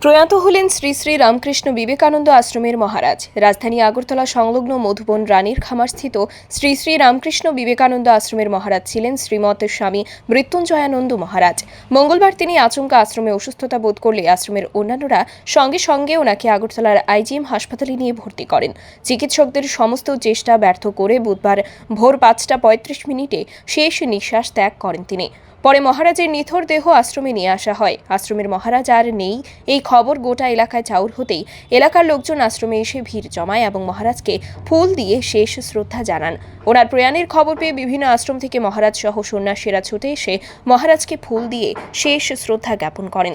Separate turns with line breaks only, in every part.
প্রয়াত হলেন শ্রী শ্রী রামকৃষ্ণ বিবেকানন্দ আশ্রমের মহারাজ। রাজধানী আগরতলা সংলগ্ন মধুবন রানীর খামারস্থিত শ্রী শ্রী রামকৃষ্ণ বিবেকানন্দ আশ্রমের মহারাজ ছিলেন শ্রীমৎ স্বামী মৃত্যুঞ্জয়ানন্দ মহারাজ। মঙ্গলবার তিনি আচমকা আশ্রমে অসুস্থতা বোধ করলে আশ্রমের অন্যান্যরা সঙ্গে সঙ্গে ওনাকে আগরতলার আইজিএম হাসপাতালে নিয়ে ভর্তি করেন। চিকিৎসকদের সমস্ত চেষ্টা ব্যর্থ করে বুধবার ভোর 5:35 শেষ নিঃশ্বাস ত্যাগ করেন তিনি। পরে মহারাজের নিথর দেহ আশ্রমে নিয়ে আসা হয়। আশ্রমের মহারাজ আর নেই এই খবর গোটা এলাকায় চাউর হতেই এলাকার লোকজন আশ্রমে এসে ভিড় জমায় এবং মহারাজকে ফুল দিয়ে শেষ শ্রদ্ধা জানান। ওনার প্রয়াণের খবর পেয়ে বিভিন্ন আশ্রম থেকে মহারাজ সহ সন্ন্যাসীরা ছুটে এসে মহারাজকে ফুল দিয়ে শেষ শ্রদ্ধা জ্ঞাপন করেন।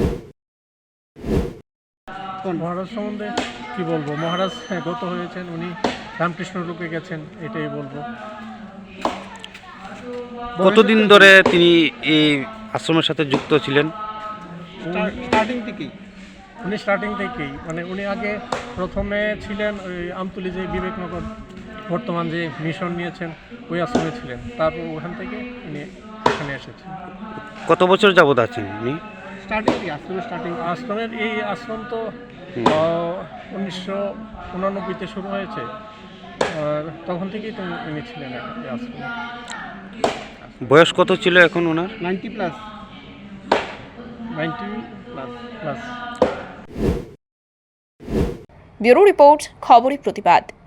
মহারাজ সম্বন্ধে কি বলবো? মহারাজ গত হয়েছেন, উনি রামকৃষ্ণ রূপে গেছেন, এটাই বলবো।
কতদিন ধরে তিনি এই আশ্রমের সাথে যুক্ত ছিলেন?
স্টার্টিং থেকেই মানে উনি আগে প্রথমে ছিলেন ওই আমতলী যে বিবেকনগর বর্তমান যে মিশন নিয়েছেন ওই আশ্রমে ছিলেন, তারপর ওখান থেকে উনি এখানে এসেছেন।
কত বছর যাবত আছেন উনি?
আশ্রমের এই আশ্রম তো 1989-তে শুরু হয়েছে, আর তখন থেকেই তো উনি ছিলেন এই আশ্রমে।
বয়স কত ছিল এখন ওনার?
90 প্লাস।
ব্যুরো রিপোর্ট, খবরের প্রতিবাদ।